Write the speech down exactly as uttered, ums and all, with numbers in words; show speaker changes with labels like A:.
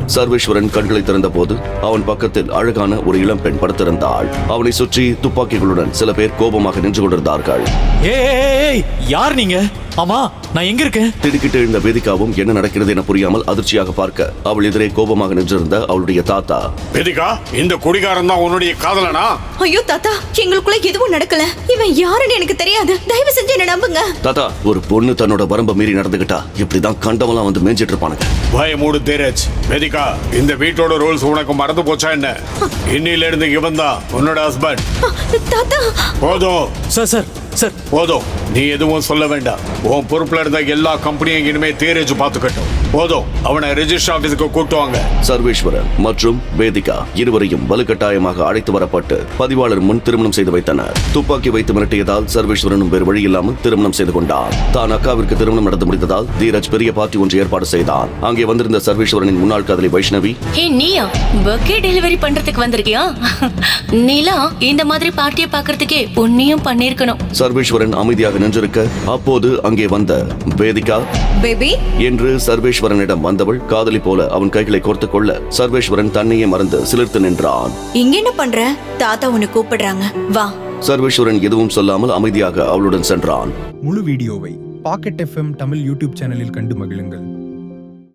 A: சர்வேஸ்வரன் கண்களை திறந்த போது அவன் பக்கத்தில் அழகான ஒரு இளம் பெண் படுத்திருந்தாள். அவனை சுற்றி துப்பாக்கிகளுடன் சில பேர் கோபமாக நின்று கொண்டிருந்தார்கள்.
B: யார் நீங்க? ஆமா, நான் எங்க இருக்கேன்?
A: திடுக்கிட்டு எழுந்த வேதிகாவும் என்ன நடக்கிறது என புரியாமல் அதிர்ச்சியாக பார்க்க அவள் எதிரே கோபமாக நின்றிருந்த அவளுடைய தாத்தா.
C: வேதிகா, இந்த குடிகாரன் தான் உன்னுடைய காதலனா?
D: ஐயோ தாத்தா, எங்களுக்குள்ள எதுவும் நடக்கல. இவன் யாருன்னு எனக்கு தெரியாது. தயவு செஞ்சு என்ன நம்புங்க.
A: தாத்தா, ஒரு பொண்ணு தன்னோட வரம்ப மீறி நடந்துகிட்டா இப்படிதான் கண்டவெல்லாம் வந்து மேய்ஞ்சிட்டு இருப்பானுங்க.
C: பய மூடு தீரஜ். வேதிகா, இந்த வீட்டோட ரூல்ஸ் உனக்கு மறந்து போச்சா என்ன? இன்னில இருந்து இவன் தான் உன்னோட ஹஸ்பண்ட்.
D: தாத்தா
C: போதும்
B: சார் சார் சார்
C: போதும், நீ எதுவும் சொல்ல வேண்டாம். உன் பொறுப்புல இருந்த எல்லா கம்பெனியும் இனிமே தீரஜ் பாத்துக்கட்டும். போதும், அவனை ரெஜிஸ்டர் ஆபீஸுக்கு கூட்டுவாங்க.
A: சர்வேஸ்வரன் மற்றும் வேதிகா இருவரையும் வலுக்கட்டாயமாக அழைத்து வரப்பட்டு பதிவாளர் முன் திருமணம் செய்து வைத்தனர். துப்பாக்கி வைத்து மிரட்டியதால் சர்வேஸ்வரனும் வேறு வழி இல்லாமல் திருமணம் செய்து கொண்டார். தான் அக்காவிற்கு திருமணம் நடந்து முடிந்ததால் தீரஜ் பெரிய பார்ட்டி ஒன்று ஏற்பாடு செய்தார். அங்கே வந்திருந்த சர்வேஸ்வரனின் முன்னாள் காதலி வைஷ்ணவி,
E: ஹே நீயா பர்த்டே டெலிவரி பண்றதுக்கு வந்திருக்கியா? நீலா இந்த மாதிரி பார்ட்டியை பாக்குறதுக்கே உன்னையும் பண்ணிருக்கணும்.
A: சர்வேஸ்வரன் அமைதியாக நின்றிருக்க அப்போது அங்கே வந்த வேதிகா
D: பேபி
A: என்று சர்வேஸ்வரனிடம் வந்தவள் காதலி போல அவன் கைகளை கோர்த்து கொள்ள சர்வேஸ்வரன் தன்னையே மறந்து சிலிர்த்து நின்றான்.
D: இங்க என்ன பண்ற? தாத்தா உன்னை கூப்பிடுறாங்க, வா.
A: சர்வேஸ்வரன் எதுவும் சொல்லாமல் அமைதியாக அவளுடன் சென்றான்.
F: முழு வீடியோவை பாக்கெட் எஃப்எம் தமிழ் யூடியூப் சேனலில் கண்டு மகிழுங்கள்.